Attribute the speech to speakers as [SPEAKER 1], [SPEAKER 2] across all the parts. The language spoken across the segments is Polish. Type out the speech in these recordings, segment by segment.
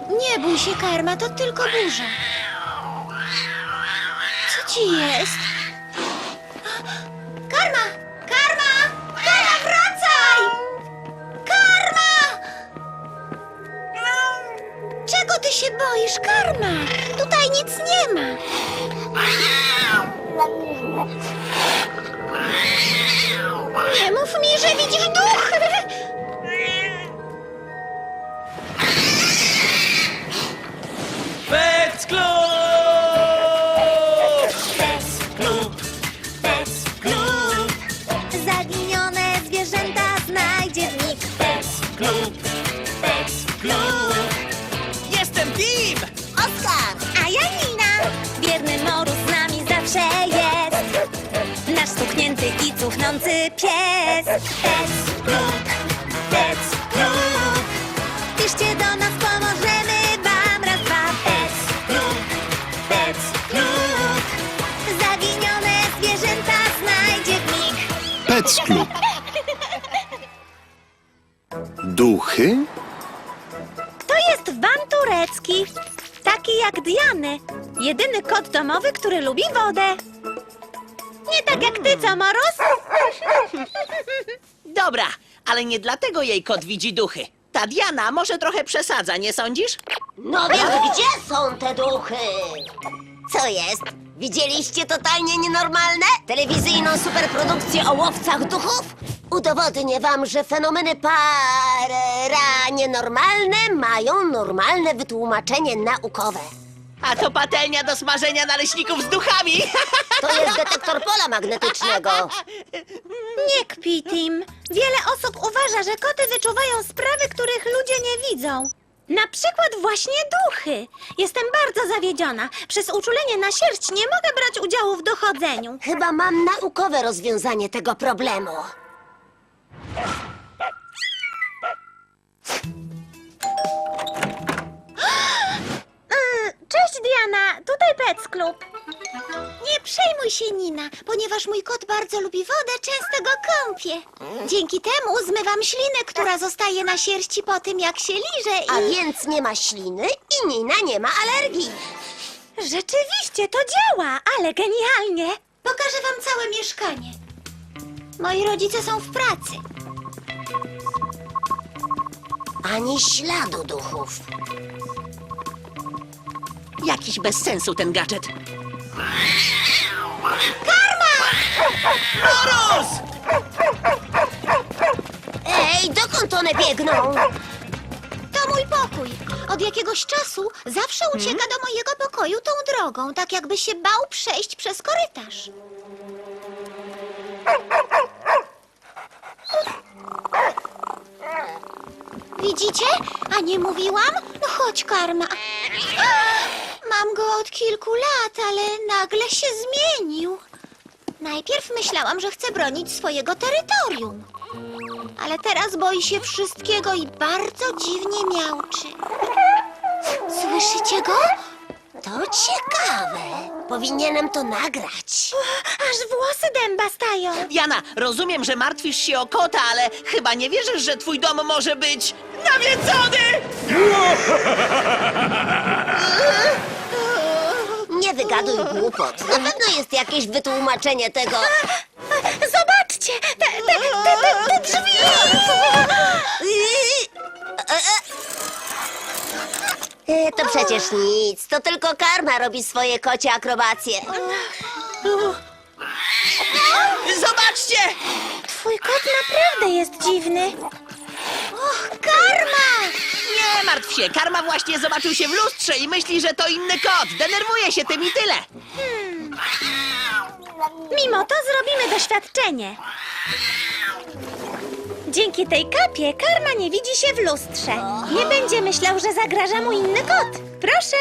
[SPEAKER 1] Nie bój się, Karma, to tylko burza. Co ci jest? Karma! Karma! Karma, wracaj! Karma! Czego ty się boisz, Karma? Tutaj nic nie ma. Nie mów mi, że widzisz duch!
[SPEAKER 2] Pec Club!
[SPEAKER 3] Pec Club. Zaginione zwierzęta znajdzie w nich. Pec Club.
[SPEAKER 2] Jestem Tim!
[SPEAKER 3] Oskar, a ja Nina. Wierny Morus z nami zawsze jest. Nasz stuknięty i cuchnący pies. Pec Club. Piszcie do nas, pomożemy wam. Raz, dwa. Pec Club. Zaginione zwierzęta znajdzie w nich.
[SPEAKER 4] Pec Club. Duchy?
[SPEAKER 3] To jest Van turecki. Taki jak Diany. Jedyny kot domowy, który lubi wodę. Nie tak jak ty, co, Morus?
[SPEAKER 2] Dobra, ale nie dlatego jej kot widzi duchy. Ta Diana może trochę przesadza, nie sądzisz?
[SPEAKER 5] No więc gdzie są te duchy? Co jest? Widzieliście totalnie nienormalne? Telewizyjną superprodukcję o łowcach duchów? Udowodnię wam, że fenomeny nienormalne mają normalne wytłumaczenie naukowe.
[SPEAKER 2] A to patelnia do smażenia naleśników z duchami!
[SPEAKER 5] To jest detektor pola magnetycznego.
[SPEAKER 3] Nie kpi, Tim. Wiele osób uważa, że koty wyczuwają sprawy, których ludzie nie widzą. Na przykład właśnie duchy. Jestem bardzo zawiedziona. Przez uczulenie na sierść nie mogę brać udziału w dochodzeniu.
[SPEAKER 5] Chyba mam naukowe rozwiązanie tego problemu.
[SPEAKER 3] Cześć, Diana. Tutaj Pec Club.
[SPEAKER 1] Nie przejmuj się, Nina, ponieważ mój kot bardzo lubi wodę, często go kąpię. Dzięki temu zmywam ślinę, która zostaje na sierści po tym, jak się liże
[SPEAKER 5] A
[SPEAKER 1] i...
[SPEAKER 5] więc nie ma śliny i Nina nie ma alergii.
[SPEAKER 3] Rzeczywiście, to działa, ale genialnie.
[SPEAKER 1] Pokażę wam całe mieszkanie. Moi rodzice są w pracy.
[SPEAKER 5] Ani śladu duchów.
[SPEAKER 2] Jakiś bez sensu ten gadżet. Morus!
[SPEAKER 5] Ej, dokąd one biegną?
[SPEAKER 1] To mój pokój. Od jakiegoś czasu zawsze ucieka do mojego pokoju tą drogą, tak jakby się bał przejść przez korytarz. Widzicie? A nie mówiłam? No chodź, Karma. Mam go od kilku lat, ale nagle się zmienił. Najpierw myślałam, że chce bronić swojego terytorium. Ale teraz boi się wszystkiego i bardzo dziwnie miauczy. Słyszycie go?
[SPEAKER 5] To ciekawe. Powinienem to nagrać.
[SPEAKER 3] Aż włosy dęba stają.
[SPEAKER 2] Diana, rozumiem, że martwisz się o kota, ale chyba nie wierzysz, że twój dom może być nawiedzony!
[SPEAKER 5] Nie wygaduj głupot. Na pewno jest jakieś wytłumaczenie tego.
[SPEAKER 3] Zobaczcie, te drzwi.
[SPEAKER 5] To przecież nic. To tylko Karma robi swoje kocie akrobacje.
[SPEAKER 2] Zobaczcie!
[SPEAKER 3] Twój kot naprawdę jest dziwny.
[SPEAKER 1] Och, Karma!
[SPEAKER 2] Nie martw się, Karma właśnie zobaczył się w lustrze i myśli, że to inny kot. Denerwuje się tym i tyle.
[SPEAKER 3] Mimo to zrobimy doświadczenie. Dzięki tej kapie Karma nie widzi się w lustrze. Nie będzie myślał, że zagraża mu inny kot. Proszę.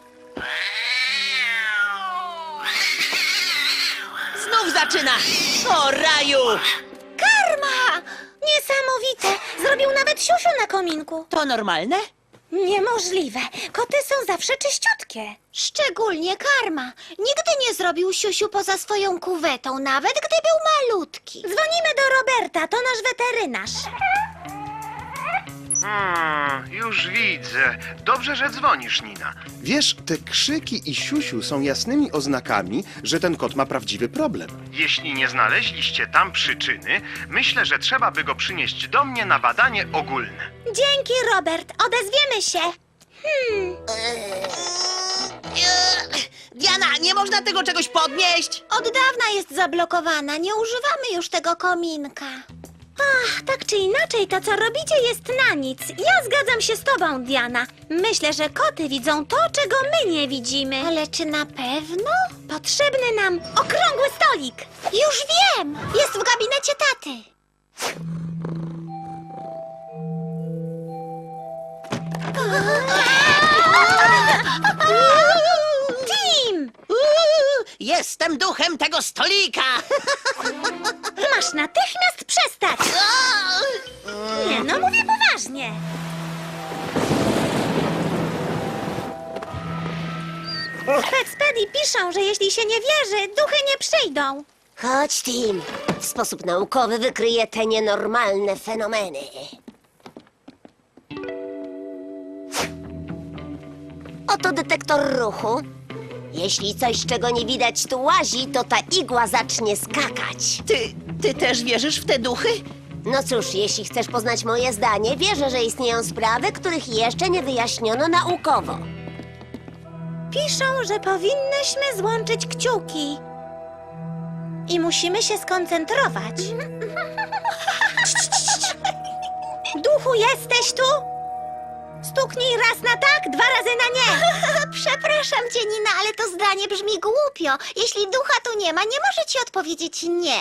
[SPEAKER 2] Znów zaczyna! O raju!
[SPEAKER 3] Karma! Niesamowite! Zrobił nawet siusiu na kominku.
[SPEAKER 2] To normalne?
[SPEAKER 3] Niemożliwe. Koty są zawsze czyściutkie.
[SPEAKER 1] Szczególnie Karma. Nigdy nie zrobił siusiu poza swoją kuwetą, nawet gdy był malutki.
[SPEAKER 3] Dzwonimy do Roberta, to nasz weterynarz.
[SPEAKER 6] Już widzę. Dobrze, że dzwonisz, Nina.
[SPEAKER 4] Wiesz, te krzyki i siusiu są jasnymi oznakami, że ten kot ma prawdziwy problem.
[SPEAKER 6] Jeśli nie znaleźliście tam przyczyny, myślę, że trzeba by go przynieść do mnie na badanie ogólne.
[SPEAKER 3] Dzięki, Robert. Odezwiemy się.
[SPEAKER 2] Diana, nie można tego czegoś podnieść!
[SPEAKER 1] Od dawna jest zablokowana, nie używamy już tego kominka.
[SPEAKER 3] Ach, tak czy inaczej, to co robicie jest na nic. Ja zgadzam się z tobą, Diana. Myślę, że koty widzą to, czego my nie widzimy.
[SPEAKER 1] Ale czy na pewno?
[SPEAKER 3] Potrzebny nam okrągły stolik.
[SPEAKER 1] Już wiem! Jest w gabinecie taty.
[SPEAKER 3] Tim!
[SPEAKER 2] Jestem duchem tego stolika!
[SPEAKER 3] Masz natychmiast przestać! Nie, no mówię poważnie. W Petspedii piszą, że jeśli się nie wierzy, duchy nie przyjdą.
[SPEAKER 5] Chodź, Tim. W sposób naukowy wykryję te nienormalne fenomeny. Oto detektor ruchu. Jeśli coś, czego nie widać, tu łazi, to ta igła zacznie skakać.
[SPEAKER 2] Ty też wierzysz w te duchy?
[SPEAKER 5] No cóż, jeśli chcesz poznać moje zdanie, wierzę, że istnieją sprawy, których jeszcze nie wyjaśniono naukowo.
[SPEAKER 3] Piszą, że powinnyśmy złączyć kciuki. I musimy się skoncentrować. Duchu, jesteś tu? Stuknij raz na tak, 2 razy na nie.
[SPEAKER 1] Przepraszam cię, Nina, ale to zdanie brzmi głupio. Jeśli ducha tu nie ma, nie może ci odpowiedzieć nie.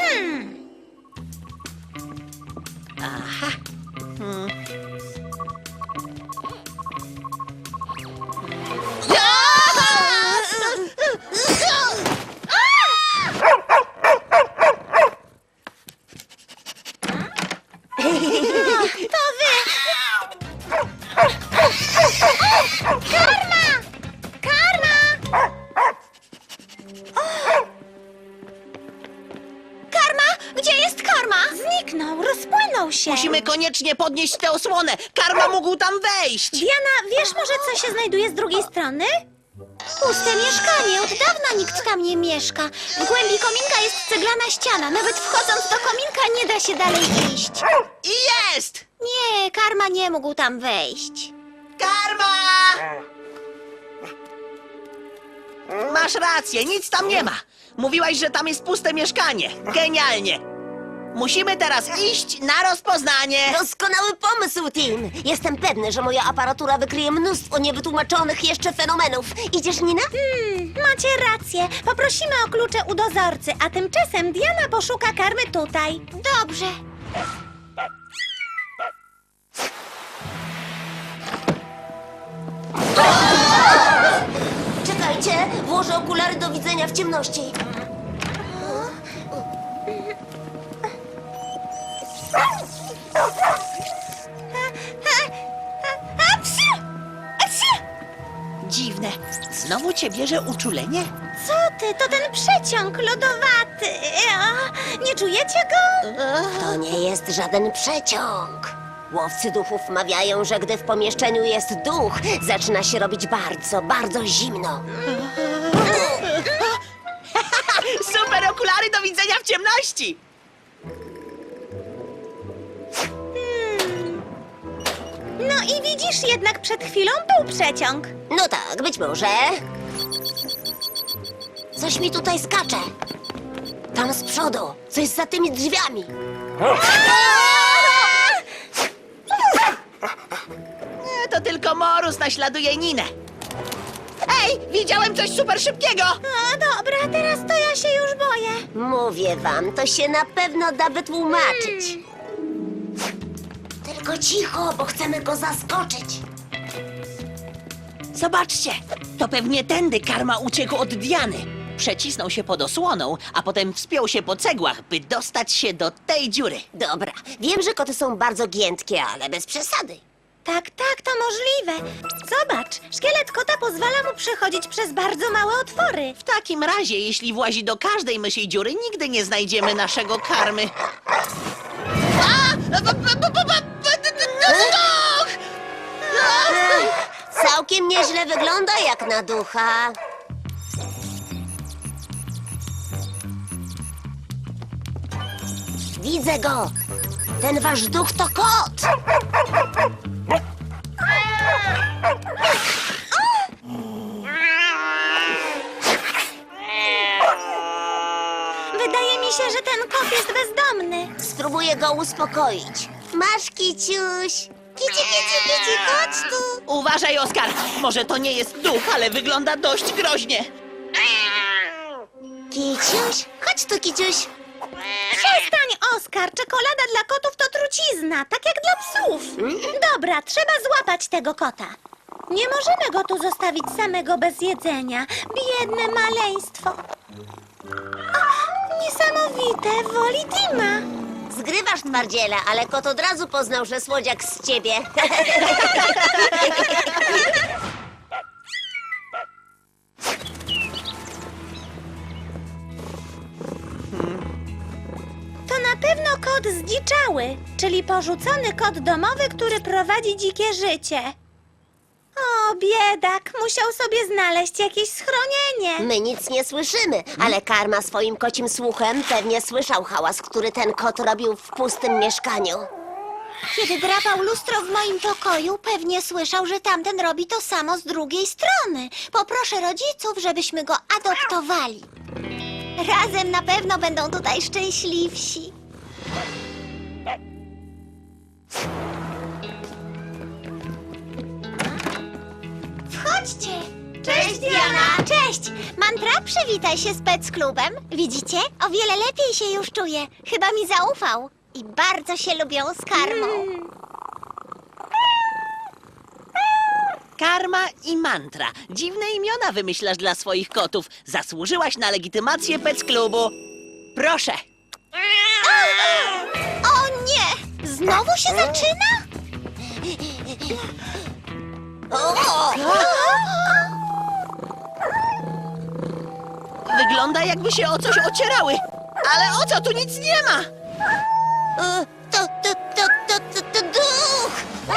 [SPEAKER 1] Karma? Gdzie jest Karma?
[SPEAKER 3] Zniknął, rozpłynął się.
[SPEAKER 2] Musimy koniecznie podnieść tę osłonę! Karma mógł tam wejść!
[SPEAKER 3] Diana, wiesz może, co się znajduje z drugiej strony?
[SPEAKER 1] Puste mieszkanie, od dawna nikt tam nie mieszka. W głębi kominka jest ceglana ściana. Nawet wchodząc do kominka nie da się dalej iść.
[SPEAKER 2] I jest!
[SPEAKER 1] Nie, Karma nie mógł tam wejść.
[SPEAKER 2] Karma! Masz rację, nic tam nie ma. Mówiłaś, że tam jest puste mieszkanie. Genialnie. Musimy teraz iść na rozpoznanie.
[SPEAKER 5] Doskonały pomysł, Tim. Jestem pewny, że moja aparatura wykryje mnóstwo niewytłumaczonych jeszcze fenomenów. Idziesz, Nina?
[SPEAKER 3] Macie rację. Poprosimy o klucze u dozorcy, a tymczasem Diana poszuka Karmy tutaj.
[SPEAKER 1] Dobrze.
[SPEAKER 5] Czekajcie, włożę okulary do widzenia w ciemności.
[SPEAKER 2] Dziwne. Znowu cię bierze uczulenie?
[SPEAKER 3] Co ty? To ten przeciąg lodowaty. Nie czujecie go?
[SPEAKER 5] To nie jest żaden przeciąg. Łowcy duchów mawiają, że gdy w pomieszczeniu jest duch, zaczyna się robić bardzo, bardzo zimno.
[SPEAKER 2] Super okulary do widzenia w ciemności!
[SPEAKER 3] No i widzisz, jednak przed chwilą był przeciąg.
[SPEAKER 5] No tak, być może. Coś mi tutaj skacze. Tam z przodu, coś za tymi drzwiami.
[SPEAKER 2] To tylko Morus naśladuje Ninę. Ej, widziałem coś super szybkiego!
[SPEAKER 3] Dobra, teraz to ja się już boję.
[SPEAKER 5] Mówię wam, to się na pewno da wytłumaczyć. Tylko cicho, bo chcemy go zaskoczyć.
[SPEAKER 2] Zobaczcie, to pewnie tędy Karma uciekł od Diany. Przecisnął się pod osłoną, a potem wspiął się po cegłach, by dostać się do tej dziury.
[SPEAKER 5] Dobra, wiem, że koty są bardzo giętkie, ale bez przesady.
[SPEAKER 3] Tak, to możliwe. Zobacz, szkielet kota pozwala mu przechodzić przez bardzo małe otwory.
[SPEAKER 2] W takim razie, jeśli włazi do każdej mysiej dziury, nigdy nie znajdziemy naszego Karmy.
[SPEAKER 5] Całkiem nieźle wygląda jak na ducha. Widzę go. Ten wasz duch to kot.
[SPEAKER 3] Wydaje mi się, że ten kot jest bezdomny.
[SPEAKER 5] Spróbuję go uspokoić. Masz, Kiciuś. Kici, chodź tu.
[SPEAKER 2] Uważaj, Oskar! Może to nie jest duch, ale wygląda dość groźnie.
[SPEAKER 5] Kiciuś, chodź tu, Kiciuś.
[SPEAKER 3] Przestań, Oskar! Czekolada dla kotów to trucizna, tak jak dla psów. Dobra, trzeba złapać tego kota. Nie możemy go tu zostawić samego bez jedzenia. Biedne maleństwo. O, niesamowite, woli Tima.
[SPEAKER 5] Zgrywasz twardziela, ale kot od razu poznał, że słodziak z ciebie.
[SPEAKER 3] To na pewno kot zdziczały, czyli porzucony kot domowy, który prowadzi dzikie życie. O, biedak, musiał sobie znaleźć jakieś schronienie.
[SPEAKER 5] My nic nie słyszymy, ale Karma swoim kocim słuchem pewnie słyszał hałas, który ten kot robił w pustym mieszkaniu.
[SPEAKER 1] Kiedy drapał lustro w moim pokoju, pewnie słyszał, że tamten robi to samo z drugiej strony. Poproszę rodziców, żebyśmy go adoptowali. Razem na pewno będą tutaj szczęśliwsi. Wchodźcie! Cześć, Diana! Cześć! Mantra, przywitaj się z Pec Klubem. Widzicie? O wiele lepiej się już czuję. Chyba mi zaufał. I bardzo się lubią z Karmą.
[SPEAKER 2] Karma i Mantra. Dziwne imiona wymyślasz dla swoich kotów. Zasłużyłaś na legitymację Pec Klubu. Proszę.
[SPEAKER 1] O nie! Znowu się zaczyna?
[SPEAKER 2] Wygląda, jakby się o coś ocierały. Ale o co? Tu nic nie ma.
[SPEAKER 5] To duch!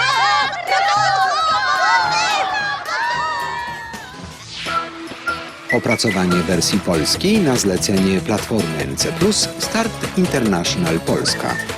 [SPEAKER 7] Opracowanie wersji polskiej na zlecenie Platformy NC+, Start International Polska.